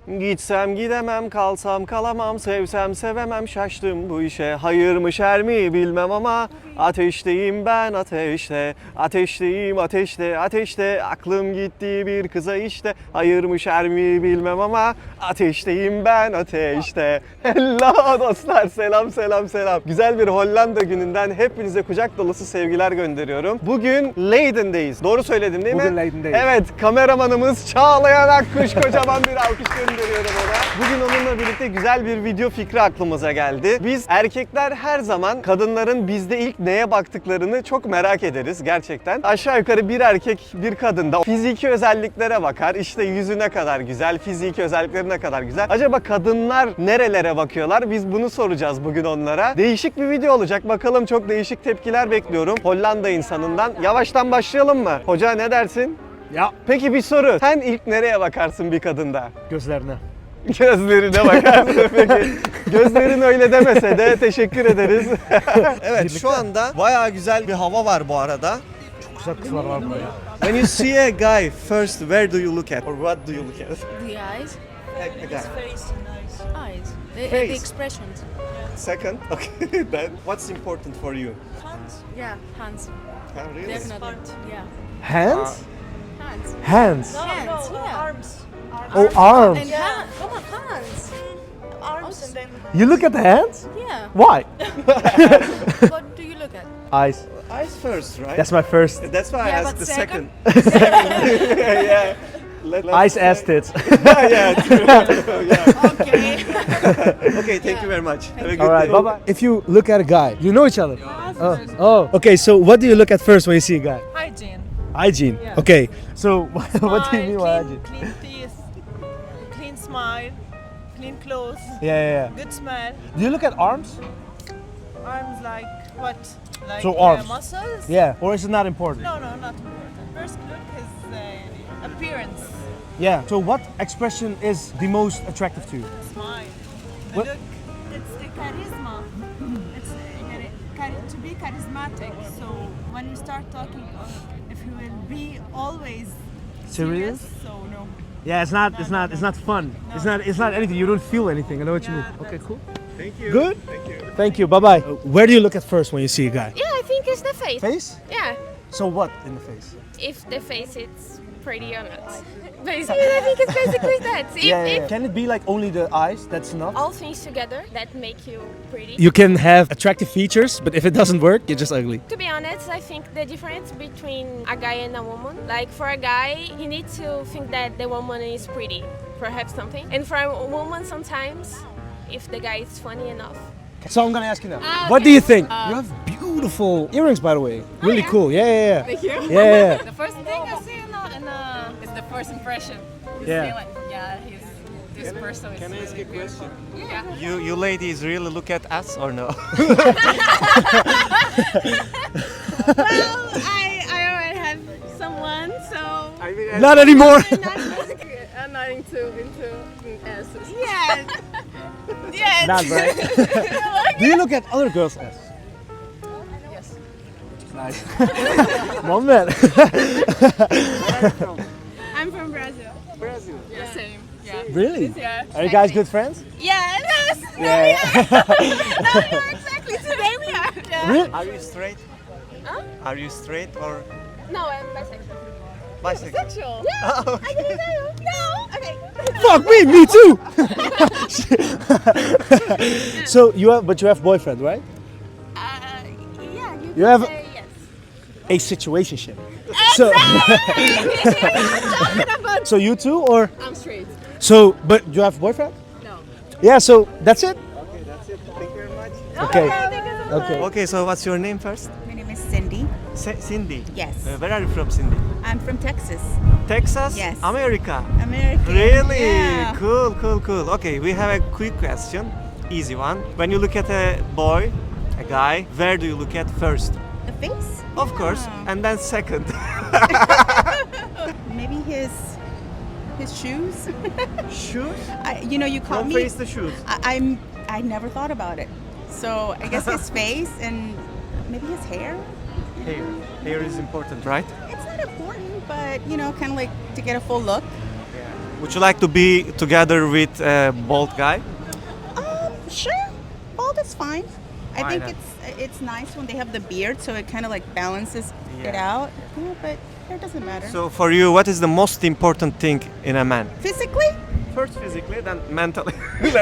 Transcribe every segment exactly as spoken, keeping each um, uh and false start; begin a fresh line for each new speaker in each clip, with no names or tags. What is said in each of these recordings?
Gitsem gidemem, kalsam kalamam, sevsem sevemem, şaştım bu işe. Hayır mı şer mi bilmem ama ateşteyim ben ateşte. Ateşteyim ateşte, ateşte, aklım gitti bir kıza işte. Hayır mı şer mi bilmem ama ateşteyim ben ateşte. Hello dostlar, selam selam selam. Güzel bir Hollanda gününden hepinize kucak dolusu sevgiler gönderiyorum. Bugün Leiden'deyiz. Doğru söyledim değil mi?
Bugün Leiden'deyiz.
Evet, kameramanımız Çağlayan Akkuş, kocaman bir alkış gönderiyorum ona. Bugün onunla birlikte güzel bir video fikri aklımıza geldi. Biz erkekler her zaman kadınların bizde ilk neye baktıklarını çok merak ederiz gerçekten. Aşağı yukarı bir erkek bir kadında fiziki özelliklere bakar. İşte yüzü ne kadar güzel, fiziki özellikleri ne kadar güzel. Acaba kadınlar nerelere bakıyorlar? Biz bunu soracağız bugün onlara. Değişik bir video olacak. Bakalım, çok değişik tepkiler bekliyorum Hollanda insanından. Yavaştan başlayalım mı? Hoca ne dersin?
Ya.
Peki bir soru. Sen ilk nereye bakarsın bir kadında?
Gözlerine.
Gözlerine bakarsın peki. Gözlerin öyle demese de teşekkür ederiz. Evet, şu anda bayağı güzel bir hava var bu arada.
Çok güzel kızlar var burada ya.
When you see a guy, first where do you look at? Or what do you look at?
The eyes.
A, a guy.
Eyes. The,
Face.
the expressions.
Second, okay. Then what's important for you?
Hands. Yeah, hands.
Huh, really?
Definitely. Yeah.
Hands?
Hands.
Hands.
Hands. yeah.
Arms.
Oh, arms.
And hand, come on, hands.
Arms and then
You look at the hands?
Yeah.
Why?
What do you look at?
Eyes.
Eyes first, right?
That's my first.
That's why I
Yeah,
asked
but
the
second?
second. second. yeah. Let, let's
Eyes,
say-
ass, tits.
yeah, true. yeah.
Okay.
Okay, thank you very much. Have a good
All right,
day.
bye bye. If you look at a guy, you know each other. Oh. oh. Okay, so what do you look at first when you see a guy?
hygiene.
Hygiene.
Yeah.
Okay. So what do you mean by
clean,
hygiene?
clean teeth, clean smile, clean clothes,
Yeah, yeah, yeah.
good smell.
Do you look at arms?
Arms like what? Like
So
uh,
arms.
muscles?
Yeah. Or is it not important?
No, no, not important. First look is uh, appearance,
Yeah. So what expression is the most attractive to you?
smile. The
What-
look, it's the charisma. It's uh, chari- chari- to be charismatic. So when you start talking, uh, if you will be always
Serious?
so no.
Yeah, it's not. It's
No,
not.
no,
It's
no.
not fun.
No.
It's not. It's not anything. You don't feel anything. I know what you
Yeah,
mean. Okay,
that's-
cool.
Thank you.
Good.
Thank you.
Thank you. Bye bye. Where do you look at first when you see a guy?
Yeah, I think it's the face.
Face.
Yeah,
So what in the face?
if the face is pretty or not. Basically, I think it's basically that. If,
Yeah, yeah,
if
yeah. Can it be like only the eyes? That's enough.
all things together that make you pretty.
You can have attractive features, but if it doesn't work, you're just ugly.
To be honest, I think the difference between a guy and a woman, like for a guy, he needs to think that the woman is pretty, perhaps something. And for a woman, sometimes, if the guy is funny enough.
So I'm gonna ask you now.
Ah,
What do
okay.
you think?
Uh,
you have beautiful earrings, by the way. Really
yeah?
cool. Yeah, yeah, yeah.
Thank you.
Yeah, yeah,
The first thing I see in a, in a is the first impression. You
Yeah.
see like, yeah, he's this person is
Can I ask
really
a question?
Yeah.
You, you ladies really look at us or no?
Well, I, I already have someone, so.
I mean,
yeah. Not anymore.
I'm not into, into asses.
Yeah. Yeah.
Not right. Do you look at other girls' ass?
Yes.
Nice. Moment.
I'm from Brazil.
Brazil.
Yeah. Same. Yeah.
Really?
Yeah.
Are you guys good friends?
Yeah. Yes.
Yeah.
No, we are exactly. Today we are. Yeah.
Really?
Are you straight?
Huh?
Are you straight or
No, I'm bisexual.
bisexual?
Sexual.
Yeah.
Oh,
I didn't know. No. Okay.
Fuck me, me too. So you have, but you have boyfriend, right?
Uh, yeah. You,
You have
say yes.
a situationship. So, so you too, or
I'm straight.
so? But you have boyfriend?
No.
Yeah. So that's it.
Okay, that's it. Thank you very much.
Okay. Okay.
Okay, so what's your name first?
My name is Cindy.
C- Cindy.
Yes.
Uh, where are you from, Cindy?
I'm from Texas,
Texas?
Yes.
America.
America.
Really?
Yeah.
Cool, cool, cool. Okay, we have a quick question. Easy one. When you look at a boy, a guy, where do you look at first?
The face?
Of course.
Yeah.
And then second.
Maybe his his shoes.
Shoes?
I, you know, you caught
Don't
me.
face the shoes.
I, I'm. I never thought about it. So I guess his face and maybe his hair.
Hair. Hair is important, right?
It's not important, but you know, kind of like to get a full look.
Yeah. Would you like to be together with a bald guy?
Um, sure. Bald is fine. I
Why
think
not?
it's it's nice when they have the beard, so it kind of like balances it
Yeah.
out. Yeah, but it doesn't matter.
So for you, what is the most important thing in a man?
Physically,
First physically, then mentally.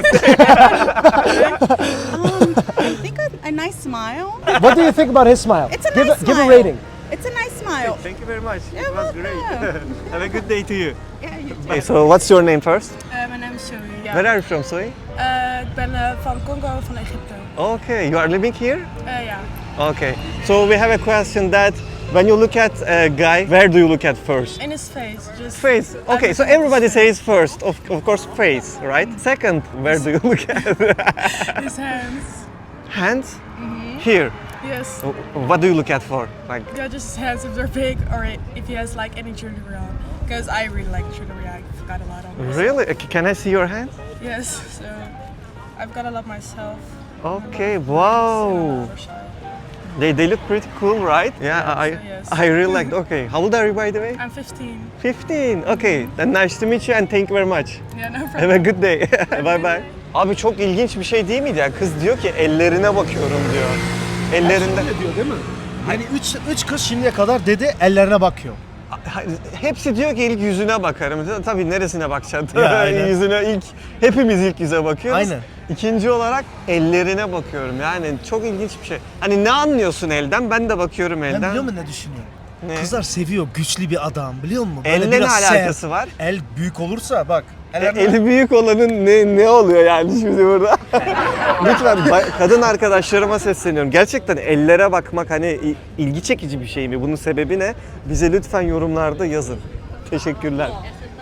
um, I think a, a nice smile.
What do you think about his smile?
It's a
give,
nice
a, give
smile.
a rating.
It's a nice smile.
Thank you very much.
You're
It was great.
welcome.
Have a good day to you.
Yeah, you too.
Okay, so what's your name first?
Uh, mijn naam is Zoe. Ja.
Where are you from, Zoe?
Uh, ik ben uh, van Congo, van Egypte.
Okay, you are living here?
Uh, ja.
Okay, so we have a question that when you look at a guy, where do you look at first?
In his face. Just
Face. Okay, so everybody says first, of, of course, face, right? Second, where do you look at?
his hands.
Hands? Here.
Yes.
What do you look at for? Like,
Yeah, just his hands if they're big or if he has like any jewelry on. Because I really like jewelry. I've got a lot on myself.
really? Uh, Can I see your hands?
Yes. So I've got a lot myself.
Okay,
On the
wow.
other side.
They, they look pretty cool, right? Yeah, I,
yes.
I really liked. Okay, how old are you, by the way?
I'm fifteen.
fifteen. Okay, then nice to meet you and thank you very much.
Yeah, no problem.
Have a good day. Bye bye. Abi çok ilginç bir şey değil miydi ya? Kız diyor ki ellerine bakıyorum diyor. Ellerinde.
Öyle diyor değil mi? Yani üç, üç kız şimdiye kadar dedi ellerine bakıyor.
Ha- Hepsi diyor ki ilk yüzüne bakarım. Tabii neresine bakacaksın?
Ya, aynen.
Yüzüne ilk, hepimiz ilk yüze bakıyoruz.
Aynen.
İkinci olarak ellerine bakıyorum. Yani çok ilginç bir şey. Hani ne anlıyorsun elden? Ben de bakıyorum
Ben
elden.
biliyor musun ne düşünüyorum?
Ne?
Kızlar seviyor güçlü bir adam biliyor musun?
Elle ne
biraz sert.
alakası var?
El büyük olursa bak.
E,
ellerine-
eli büyük olanın ne ne oluyor yani şimdi burada? Lütfen ba- kadın arkadaşlarıma sesleniyorum. Gerçekten ellere bakmak hani i- ilgi çekici bir şey mi? Bunun sebebi ne? Bize lütfen yorumlarda yazın. Teşekkürler.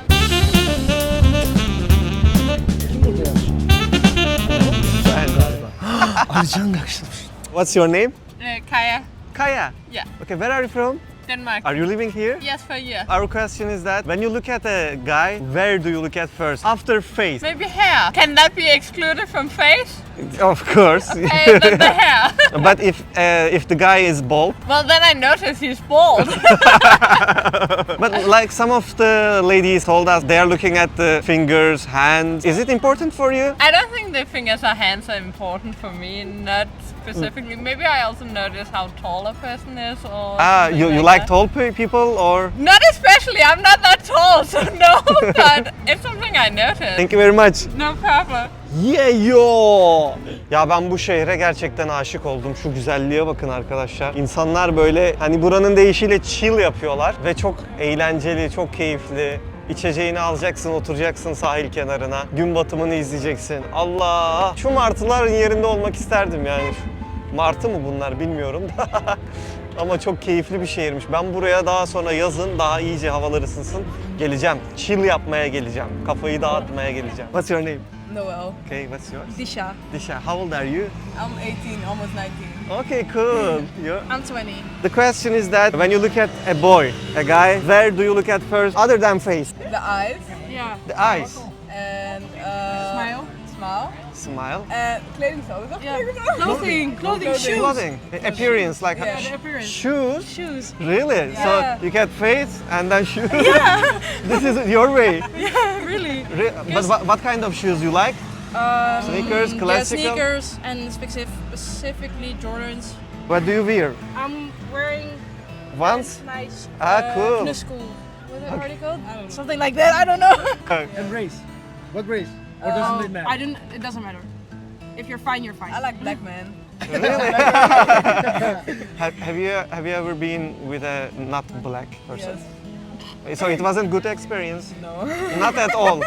Alican yakışmış.
What's your name?
Uh, Kaya.
Kaya.
Yeah.
Okay, where are you from?
Denmark.
Are you living here?
Yes, for you.
Our question is that when you look at a guy, where do you look at first? After face.
Maybe hair. Can that be excluded from face?
Of course.
Okay, then the hair.
But if uh, if the guy is bald,
Well, then I notice he's bald.
but like some of the ladies told us, they are looking at the fingers, hands. Is it important for you?
I don't think the fingers or hands are important for me, not specifically. Maybe I also notice how tall a person is or
Ah,
something
you, you
like
like
that.
tall pe- people or?
Not especially, I'm not that tall, so no, but it's something I notice.
Thank you very much.
No problem.
Yeah yo. Ya ben bu şehre gerçekten aşık oldum. Şu güzelliğe bakın arkadaşlar. İnsanlar böyle hani buranın deyişiyle chill yapıyorlar ve çok eğlenceli, çok keyifli. İçeceğini alacaksın, oturacaksın sahil kenarına. Gün batımını izleyeceksin. Allah! Şu martıların yerinde olmak isterdim yani. Martı mı bunlar bilmiyorum da. Ama çok keyifli bir şehirmiş. Ben buraya daha sonra yazın daha iyice havalar ısınsın geleceğim. Chill yapmaya geleceğim. Kafayı dağıtmaya geleceğim. What's your name?
Noel.
Okay, what's yours?
Disha.
Disha, how old are you?
I'm eighteen, almost nineteen.
Okay, cool. You?
I'm twenty.
The question is that when you look at a boy, a guy, where do you look at first other than face?
The eyes. Yeah.
The eyes.
And uh, smile. Smile.
Smile.
And kledingsolen. Yeah. Clothing. Clothing. Shoes.
Clothing. Appearance, like
Yeah, the appearance.
shoes.
Shoes.
Really?
Yeah.
So you get face and then shoes? Yeah. This is your way.
Yeah, really.
Re- but what, what kind of shoes you like?
Um,
Sneakers,
yeah,
classical?
sneakers and specific, specifically Jordans.
What do you wear?
I'm wearing
Once?
nice.
Ah, cool.
Fitness school. What's it already called? Something like that. I don't know.
And race. What race? Or
Um,
doesn't it matter?
I didn't. It doesn't matter. If you're fine, you're fine. I like black men.
Really? have, have you have you ever been with a not black person? So it wasn't good experience.
No.
Not at all.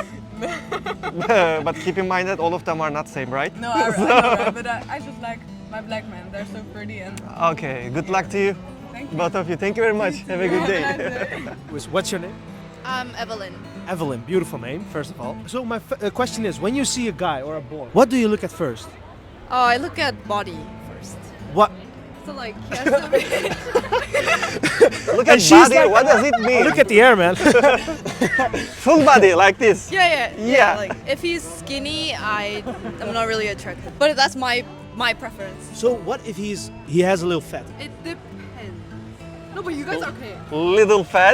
But keep in mind that all of them are not same, right?
No, I, I know, right? But I, I just like my black men. They're so pretty and.
Okay, good luck to you.
Thank you.
Both of you. Thank you very much. Have a good day.
What's your name?
Um, Evelyn.
Evelyn, beautiful name, first of all. So my f- uh, question is, when you see a guy or a boy, what do you look at first?
Oh, I look at body first.
What?
So like, he has to be.
Look
And
at
she's
body.
like-
What does it mean?
Look at the air, man.
Full body like this.
yeah, yeah, yeah,
Yeah.
Like, if he's skinny, I am not really attracted. But that's my my preference.
So what if he's he has a little fat?
It depends. No, but you guys are okay.
Little fat.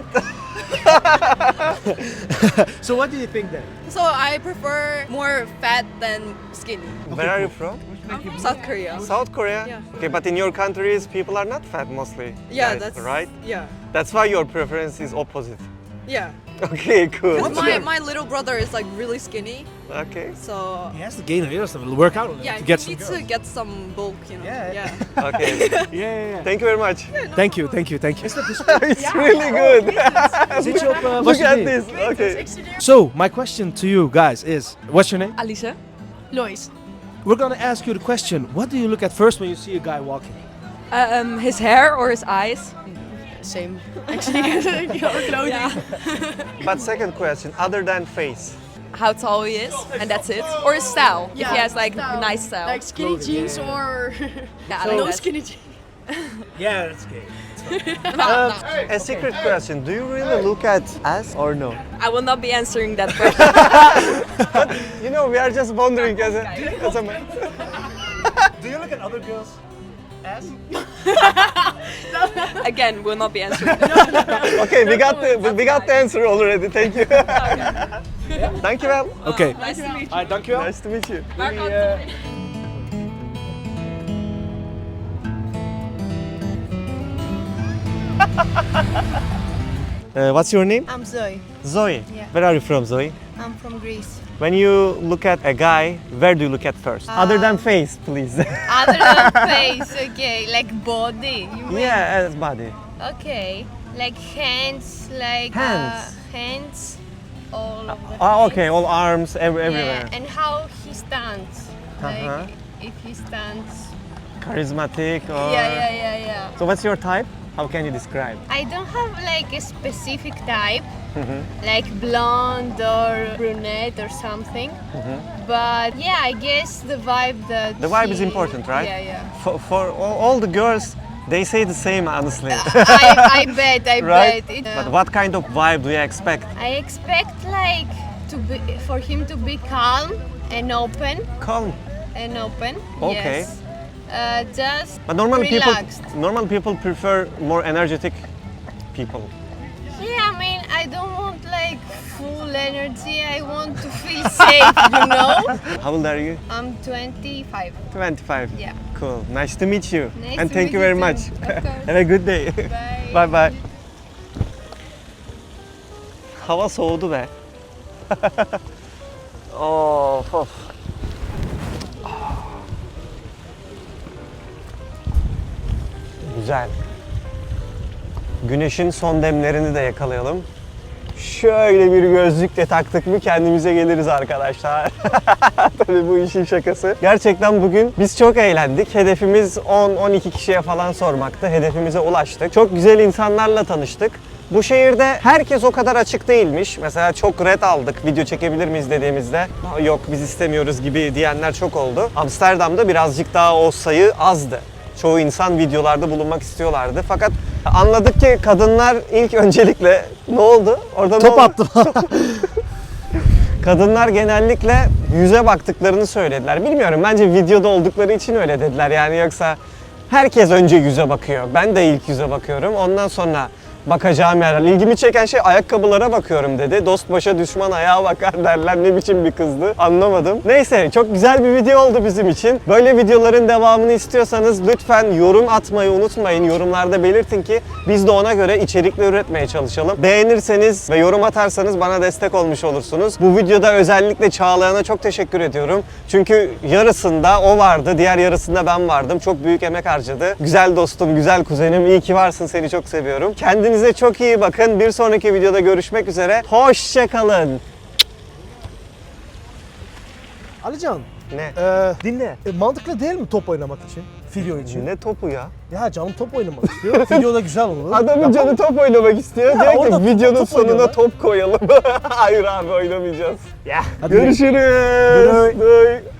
So what do you think then?
So I prefer more fat than skinny.
Where are you from?
I'm from South Korea.
South Korea?
Yeah.
Okay, but in your countries, people are not fat mostly.
Yeah,
guys,
that's
right.
Yeah,
That's why your preference is opposite.
yeah.
Okay, cool.
'Cause my my little brother is like really skinny,
Okay.
so
He has to gain a little to work out
yeah,
to
he
get some
needs
girls.
to get some bulk, you know.
Yeah.
yeah.
Okay.
Yeah, yeah, yeah.
Thank you very much.
Thank you, thank you, thank you.
It's really good.
Is it your, uh,
Look
what's your
at
name?
this. Okay.
So my question to you guys is, what's your name?
Alicia, Lois.
We're gonna ask you the question. What do you look at first when you see a guy walking?
Um, his hair or his eyes? Same. Actually, your clothing.
But second question, other than face.
How tall he is, and that's it. Or his style. if
Yeah,
he has like
style.
nice style.
Like skinny jeans or
yeah, I like
no
that.
skinny jeans.
Yeah, that's gay.
Um, a secret question, do you really look at ass or no?
I will not be answering that question.
You know, we are just wondering as a, as a man.
Do you look at other girls' ass?
Again, will not be answering.
Okay, we got the we got the answer already. Thank you. Thank you, well.
Okay.
Nice to meet you.
Alright, dankjewel.
Nice to meet you. Uh, what's your name?
I'm Zoe.
Zoe.
Yeah.
Where are you from, Zoe?
I'm from Greece.
When you look at a guy, where do you look at first? Other than face, please.
Other than face, okay, like body. You mean?
Yeah, as body.
Okay, like hands, like
Hands.
Uh, hands, all of the
Oh,
hands.
okay, all arms, every, everywhere.
Yeah, and how he stands. Like
Uh-huh.
if he stands.
Charismatic or...
Yeah, yeah, yeah, yeah.
So what's your type? How can you describe?
I don't have like a specific type,
Mhm.
like blonde or brunette or something. But yeah, I guess the vibe that
Mm-hmm. The vibe is
he-
important, right?
Yeah, yeah.
For, for all, all the girls, they say the same, honestly.
I, I bet, I
Right?
bet. It,
But what kind of vibe do you expect?
I expect like to be for him to be calm and open
Calm.
and open.
Okay.
Yes. Uh, just
But normally
relaxed.
people, normal people prefer more energetic people.
Yeah, I mean, I don't want like full energy. I want to feel safe, you know.
How old are you?
I'm twenty-five.
twenty-five.
Yeah.
Cool. Nice to meet you.
Nice
and
to
thank
meet
you
you
very
too.
much.
Of course.
Have a good day.
Bye.
Bye bye. Hava soğudu be. Of of. Güzel. Güneşin son demlerini de yakalayalım. Şöyle bir gözlük de taktık mı kendimize geliriz arkadaşlar. Tabii bu işin şakası. Gerçekten bugün biz çok eğlendik. Hedefimiz on on iki kişiye falan sormaktı. Hedefimize ulaştık. Çok güzel insanlarla tanıştık. Bu şehirde herkes o kadar açık değilmiş. Mesela çok red aldık video çekebilir miyiz dediğimizde. Yok biz istemiyoruz gibi diyenler çok oldu. Amsterdam'da birazcık daha o sayı azdı. Çoğu insan videolarda bulunmak istiyorlardı. Fakat anladık ki kadınlar ilk öncelikle ne oldu? Orada ne
Top
oldu?
attım.
Kadınlar genellikle yüze baktıklarını söylediler. Bilmiyorum, bence videoda oldukları için öyle dediler. Yani yoksa herkes önce yüze bakıyor. Ben de ilk yüze bakıyorum. Ondan sonra bakacağım yerler. İlgimi çeken şey ayakkabılara bakıyorum dedi. Dost başa düşman ayağa bakar derler. Ne biçim bir kızdı anlamadım. Neyse, çok güzel bir video oldu bizim için. Böyle videoların devamını istiyorsanız lütfen yorum atmayı unutmayın. Yorumlarda belirtin ki biz de ona göre içerikler üretmeye çalışalım. Beğenirseniz ve yorum atarsanız bana destek olmuş olursunuz. Bu videoda özellikle Çağlayan'a çok teşekkür ediyorum. Çünkü yarısında o vardı, diğer yarısında ben vardım. Çok büyük emek harcadı. Güzel dostum, güzel kuzenim. İyi ki varsın, seni çok seviyorum. Kendinize çok iyi bakın. Bir sonraki videoda görüşmek üzere. Hoşça kalın.
Alican,
Ne?
e,
Dinle.
e, mantıklı değil mi top oynamak için? Video için.
Ne topu ya?
Ya canım top oynamak istiyor. Videoda güzel olur.
Adamın canı top oynamak istiyor.
Ya
Diyor ki
orada
videonun
top
sonuna
oynuyorlar.
top koyalım. Hayır abi, oynamayacağız. Ya
Hadi
görüşürüz.
Görüşürüz.
Bye.